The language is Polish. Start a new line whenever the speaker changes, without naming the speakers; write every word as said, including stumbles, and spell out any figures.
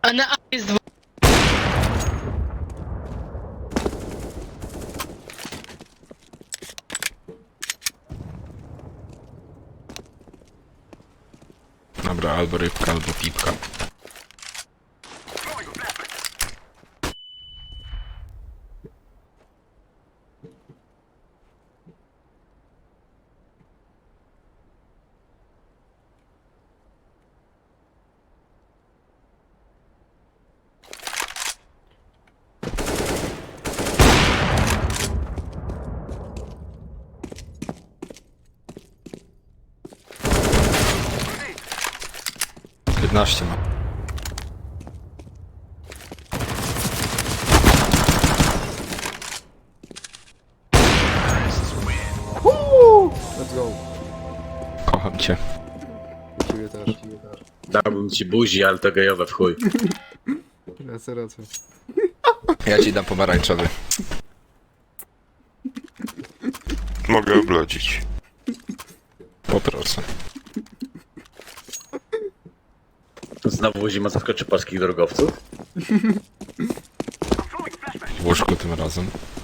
A na A jest dwóch.
Dobra, albo rybka, albo pipka. piętnaście ma.
Let's go.
Kocham cię.
Ciebie też.
Dałbym ci buzi, ale to gejowe w chuj.
Racja, racja.
Ja ci dam pomarańczowy.
Mogę oblodzić.
Poproszę.
Znowu zima zaskoczy polskich drogowców.
W łóżku tym razem.